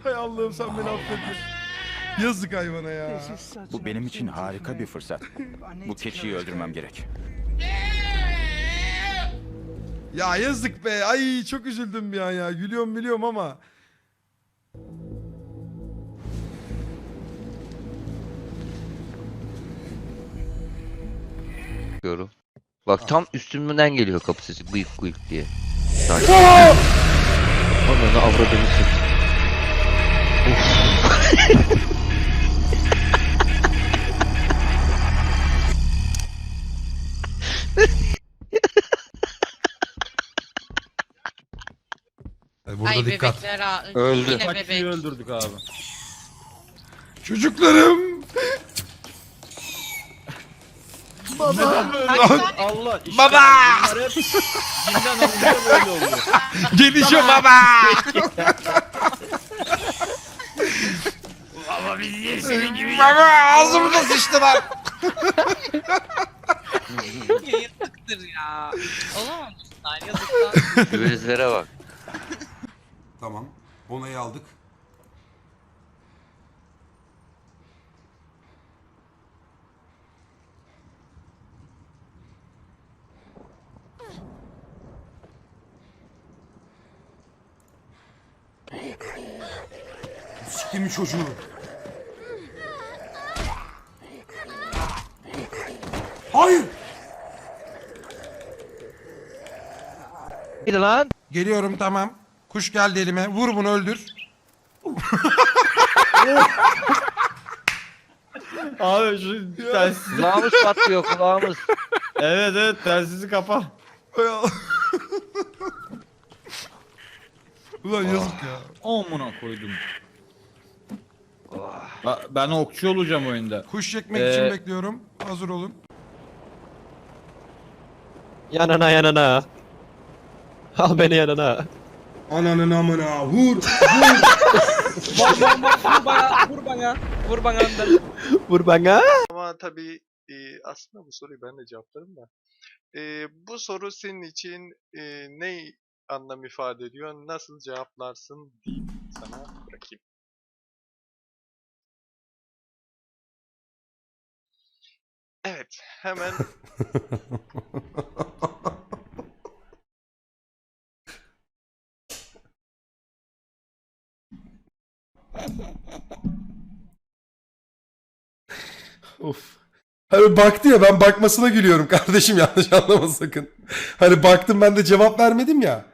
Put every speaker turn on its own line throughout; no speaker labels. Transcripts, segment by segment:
Hay Allah'ım sen beni affet. Yazık hayvana ya.
Bu benim için harika bir fırsat. Bu keçiyi öldürmem gerek.
Ya yazık be. Ay çok üzüldüm bir an ya. Gülüyorum biliyorum ama.
Diyorum. Bak tam üstümden geliyor kapı sesi bıyık bıyık diye. Ananı avradını sık.
Burada
Ay
dikkat.
bebekler ha.
Öldü.
Yine
Kaç kişiyi
bebek.
öldürdük abi?
Çocuklarım.
Neden böyle?
Lan.
Allah işte.
Baba!
Bunlar hep dinden alınca böyle oluyor.
Gelişiyor baba.
Baba bizi senin gibi
Baba ağzımıza sıçtılar.
Yazıktır ya. Olamamışlar yazıklar.
Gözlere bak.
Tamam. Onayı aldık. Siktimin çocuğu. Hayır.
Bir lan.
Geliyorum tamam. Kuş geldi elime. Vur bunu öldür.
Abi şu telsiz.
Kulağımız patlıyor kulağımız.
Evet evet telsizi kapa.
Hay Allah. Ulan yazık ya.
Amına koydum. Ben okçu olacağım oyunda.
Kuş çekmek için bekliyorum. Hazır olun.
Yanına yanına. Al beni yanına.
Ananın amına vur.
Vur bana.
Ama tabii aslında bu soruyu ben de cevaplarım da. Bu soru senin için ne anlam ifade ediyor? Nasıl cevaplarsın diyeyim sana bırakayım. Evet, hemen
Of. Hani baktı ya, ben bakmasına gülüyorum kardeşim, yanlış anlama sakın. Hani baktım, ben de cevap vermedim ya.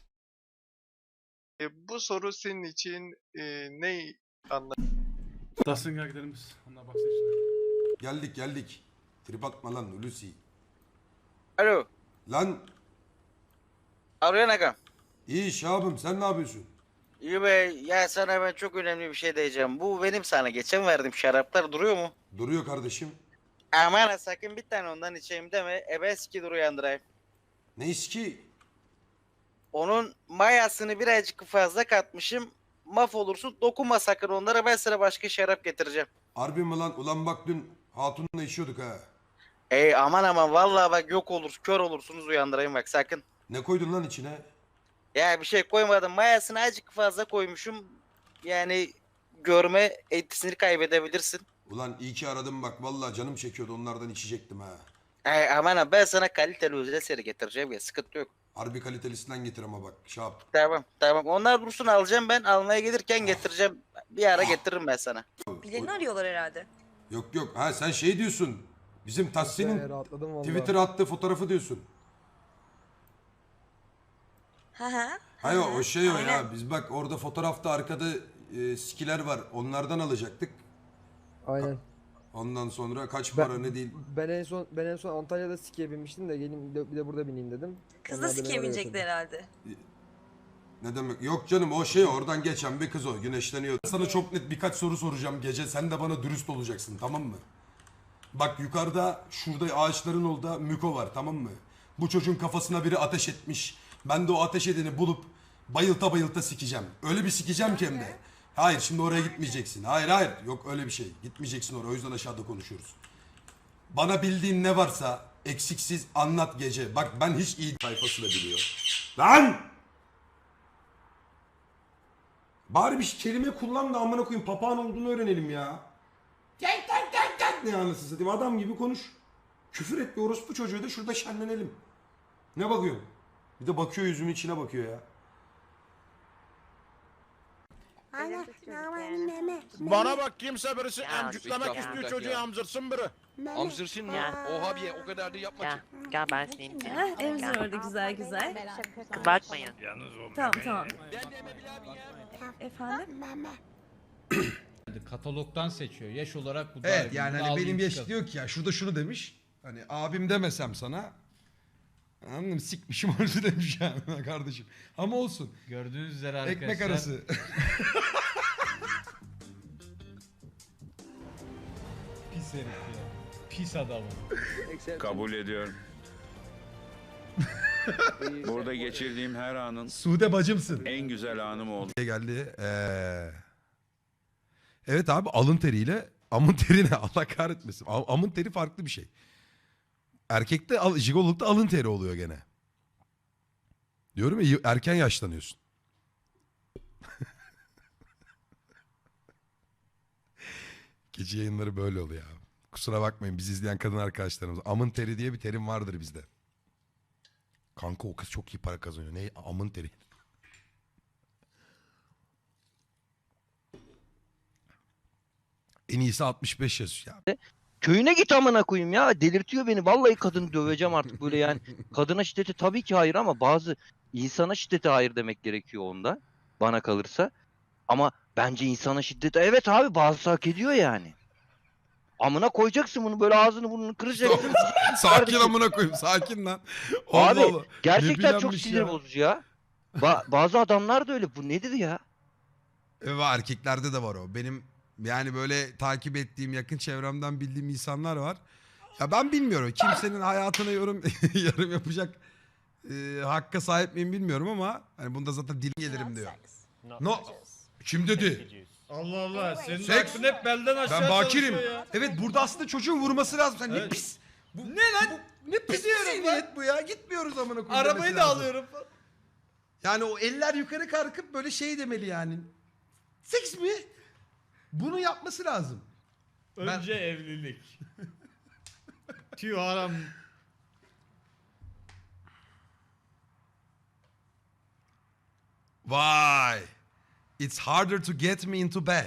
bu soru senin için ne anlam
Dasın gel gidelim biz. Ondan baksana.
Geldik. Trip atma lan Hulusi.
Alo.
Lan
Arıyor Agam.
iyi Şahabım, sen ne yapıyorsun?
İyi be. Ya sana ben çok önemli bir şey diyeceğim. Bu benim sana geçen verdiğim şaraplar duruyor mu?
Duruyor kardeşim.
Aman ha, sakın bir tane ondan içeyim deme. Ebeski dur uyandırayım.
Ne iski?
Onun mayasını birazcık fazla katmışım. Mahvolursun. Dokunma sakın onlara. Ben sana başka şarap getireceğim.
Harbi mi lan? Ulan bak dün hatunla içiyorduk ha.
Ey aman vallahi bak yok olur. Kör olursunuz uyandırayım bak sakın.
Ne koydun lan içine?
Ya bir şey koymadım. Mayasını azıcık fazla koymuşum. Yani görme etkisini kaybedebilirsin.
Ulan iyi ki aradım bak, vallahi canım çekiyordu, onlardan içecektim ha.
Ay aman ha, ben sana kaliteli özel seri getireceğim ya, sıkıntı yok.
Harbi kalitelisinden getir ama bak Şahap.
Tamam. Onlar dursun, alacağım ben. Almaya gelirken getireceğim. Bir ara getiririm ben sana.
Birilerini arıyorlar herhalde.
Yok ha, sen şey diyorsun. Bizim Tahsin'in Twitter'a attığı fotoğrafı diyorsun.
Hı.
Hayır o şey o
Aynen.
ya. Biz bak orada fotoğrafta arkada skiler var. Onlardan alacaktık.
Aynen.
Ondan sonra kaç para ne değil.
Ben en son Antalya'da skiye binmiştim de gelin bir de burada bineyim dedim.
Kız da sikiye binecekti herhalde.
Ne demek? Yok canım, o şey oradan geçen bir kız o. Güneşleniyor. Sana çok net birkaç soru soracağım gece. Sen de bana dürüst olacaksın, tamam mı? Bak yukarıda şurada ağaçların orada Müko var, tamam mı? Bu çocuğun kafasına biri ateş etmiş. Ben de o ateş edeni bulup bayılta sikeceğim. Öyle bir sikeceğim ki hem de. Hayır, şimdi oraya gitmeyeceksin. Hayır. Yok öyle bir şey. Gitmeyeceksin oraya. O yüzden aşağıda konuşuyoruz. Bana bildiğin ne varsa eksiksiz anlat gece. Bak ben hiç iyi sayfası da biliyor. Lan! Bari bir kelime kullan da amına koyayım papağan olduğunu öğrenelim ya. Tek tek tek tek ne anasını satayım adam gibi konuş. Küfür et bir orospu çocuğu da şurada şenlenelim. Ne bakıyorsun? Bir de bakıyor yüzümün içine bakıyor ya.
Bana bak kimse birisi emcüklemek istiyor çocuğu emzirsin biri.
Amzırsın mı? Oha bir o kadar da yapma ki.
Gel ben seni. Emzir orada güzel güzel.
Bakmayın.
Tamam. Efendim?
Katalogdan seçiyor. Yaş olarak bu
Evet yani hani benim yaş diyor ki ya şurada şunu demiş. Hani abim demesem sana. Anladın mı? Sikmişim orası demiş yani kardeşim. Ama olsun.
Gördüğünüz üzere arkadaşlar.
Ekmek arası.
Pis herif ya. Pis adamım.
Kabul ediyorum. Burada geçirdiğim her anın
Sude bacımsın.
en güzel anım oldu.
Geldi. Evet abi alın teriyle amın teri ne? Allah kahretmesin. Amın teri farklı bir şey. Erkekte jigololukta alın teri oluyor gene. Diyorum ya erken yaşlanıyorsun. Gece yayınları böyle oluyor ya. Kusura bakmayın bizi izleyen kadın arkadaşlarımız. Amın teri diye bir terim vardır bizde. Kanka o kız çok iyi para kazanıyor. Ne? Amın teri. En iyisi 65 yaş ya.
Köyüne git amına koyayım ya. Delirtiyor beni. Vallahi kadını döveceğim artık böyle yani. Kadına şiddeti tabii ki hayır ama bazı insana şiddete hayır demek gerekiyor onda. Bana kalırsa. Ama bence insana şiddete evet abi bazısı hak ediyor yani. Amına koyacaksın bunu böyle ağzını burnunu kıracaksın.
Sakin amına koyayım sakin lan.
Abi
Allah Allah.
gerçekten çok
bilenmiş
sinir
ya.
bozucu ya. Bazı adamlar da öyle. Bu nedir ya?
Erkeklerde de var o. Benim yani böyle takip ettiğim yakın çevremden bildiğim insanlar var. Ya ben bilmiyorum. Kimsenin hayatına yorum yapacak hakka sahip miyim bilmiyorum ama hani bunda zaten dilim gelirim diyor. No. Kim dedi?
Allah Allah. Senin
Seks.
aklın hep belden aşağı
Ben bakirim.
çalışıyor ya.
Evet burada aslında çocuğun vurması lazım. Sen ne
Evet.
pis. Bu, ne lan? Ne pis zihniyet bu ya. Gitmiyoruz amına koyayım.
Arabayı
demesi
da
lazım.
alıyorum.
Yani o eller yukarı kalkıp böyle şey demeli yani. Seks mi? Bunu yapması lazım.
Önce evlilik. Tüy haram.
Vay. It's harder to get me into bed.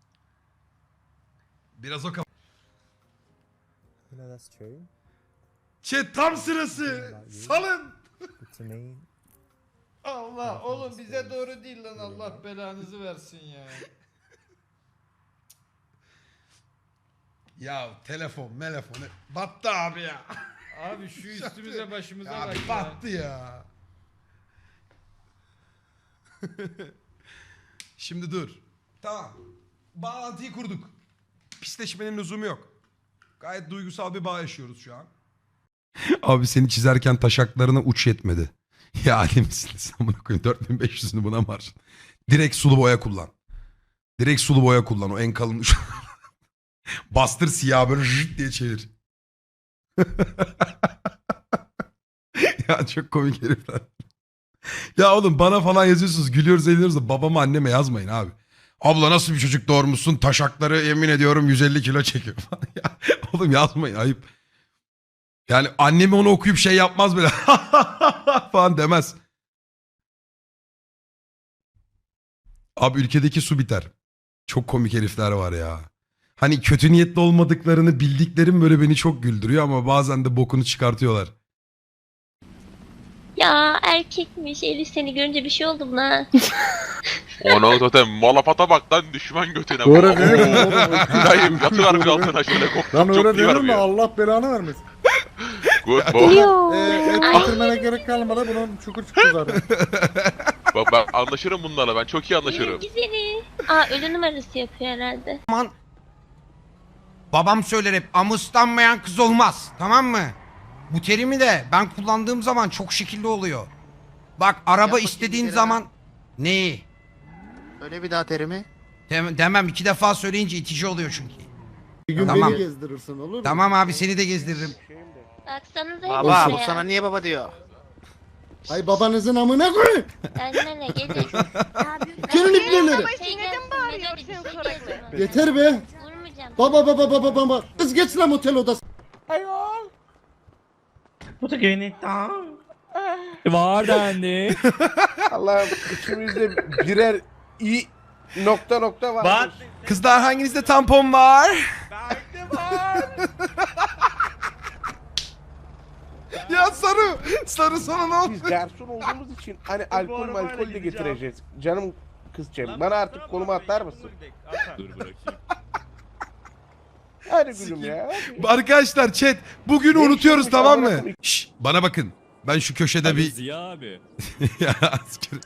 Biraz o Chat tam sırası. Salın.
Allah oğlum bize doğru değil lan Allah belanızı versin ya.
Ya telefon battı abi ya.
Abi şu üstümüze başımıza
Ya
bak ya.
battı ya. Şimdi dur. Tamam. Bağlantıyı kurduk. Pisleşmenin lüzumu yok. Gayet duygusal bir bağ yaşıyoruz şu an. Abi seni çizerken taşaklarına uç yetmedi. Ya alemsiniz. Amına koyayım 4500'ünü buna mı harcadın? Direkt sulu boya kullan. Direkt sulu boya kullan o en kalın uç. Bastır siyah böyle jıt diye çevir. Ya çok komik herifler. Ya oğlum bana falan yazıyorsunuz gülüyoruz eğleniyoruz da babama anneme yazmayın abi. Abla nasıl bir çocuk doğurmuşsun taşakları yemin ediyorum 150 kilo çekiyor falan. Ya, oğlum yazmayın ayıp. Yani annemi onu okuyup şey yapmaz bile falan demez. Abi ülkedeki su biter. Çok komik herifler var ya. Hani kötü niyetli olmadıklarını bildiklerim böyle beni çok güldürüyor ama bazen de bokunu çıkartıyorlar.
Ya erkekmiş. Elif seni görünce bir şey oldu buna.
Ona zaten malapata bak lan düşman götüne.
Doğru değil mi?
Gülayım yatıver bir altına şöyle
Lan öyle
çok
değil mi? Allah belanı vermesin.
Good boy.
Et getirmene gerek kalmadı. Bunun çukur çıktı zaten.
Bak ben anlaşırım bunlarla ben çok iyi anlaşırım.
Güzeli. Aa ölü numarası yapıyor herhalde.
Babam söyler hep amuslanmayan kız olmaz tamam mı? Bu terimi de ben kullandığım zaman çok şekilli oluyor. Bak araba istediğin zaman... Neyi?
Öyle bir daha terimi.
Demem 2 defa söyleyince itici oluyor çünkü.
Bir gün
Tamam.
beni gezdirirsin olur mu?
Tamam abi seni de gezdiririm.
Baksanıza
Baba
Elif'e
bu
ya.
sana niye baba diyor? Ay babanızın amına koyun.
Annene gece.
Gelin ipneleri.
Neden bağırıyorsun?
Yeter be.
Vurmayacağım.
Baba. Kız geç lan otel odası.
Var dendi.
Allah'ım içimizde birer iyi nokta var.
Kızlar hanginizde tampon var? Ya Sarı sana ne oldu?
Biz garson olduğumuz için hani alkol de getireceğiz. Canım kızcağım bana artık konumu atar mısın?
Dur bırakayım.
Hadi gülüm ya.
Arkadaşlar chat bugün unutuyoruz tamam mı? Şş, bana bakın. Ben şu köşede bir...
Ziya abi.
Ya, asker-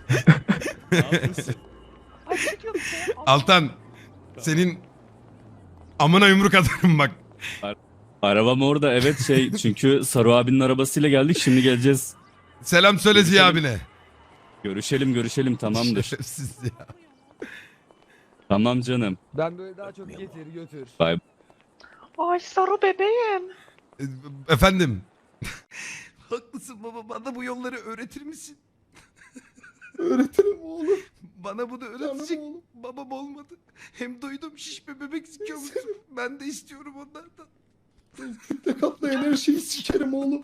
Altan senin amına yumruk atarım bak.
Arabam orada evet çünkü Saru abinin arabasıyla geldik şimdi geleceğiz.
Selam söyle Ziya abine.
Görüşelim tamamdır.
Şerefsiz ya.
Tamam canım.
Ben böyle daha çok getir götür.
Ay Saru bebeğim.
Efendim. Haklısın baba bana bu yolları öğretir misin?
Öğretirim oğlum.
Bana bunu öğretecek babam olmadı. Hem duydum şişme bebek sikiyormuşsun. Ben de istiyorum onlardan.
Kütle katlayan her şeyi sikerim oğlum.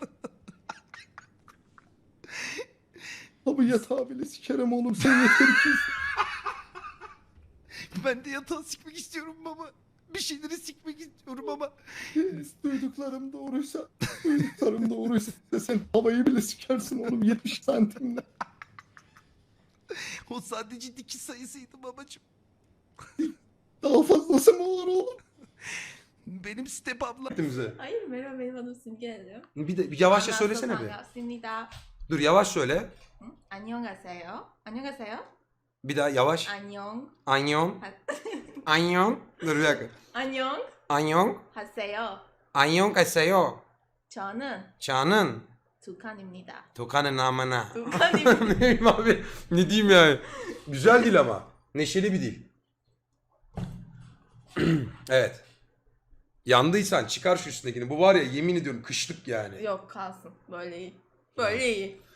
Abi yatağı bile sikerim oğlum sen yeter ki.
Ben de yatağı sikmek istiyorum baba. Bir şeyleri sikmek istiyorum ama.
Duyduklarım doğruysa sen havayı bile sikersin oğlum 70 santimle.
O sadece dikiş sayısıydı babacığım.
Daha fazlası mı olur oğlum?
Benim step abla.
Hayır merhaba benim adım Simge.
Bir yavaşça söylesene bir.
반갑습니다.
Dur yavaş söyle.
안녕하세요. 안녕하세요.
Bir daha yavaş.
안녕.
Anyon. Anyon. Dur bir dakika.
안녕
Anyon.
하세요.
Anyon kaseyo.
저는
Çağının.
두칸입니다.
Tukanın namına.
두칸입니다.
Ne diyeyim abi? Ne diyeyim yani? Güzel dil ama. Neşeli bir dil. Evet. Yandıysan çıkar şu üstündekini. Bu var ya yemin ediyorum kışlık yani.
Yok kalsın. Böyle iyi. Böyle iyi.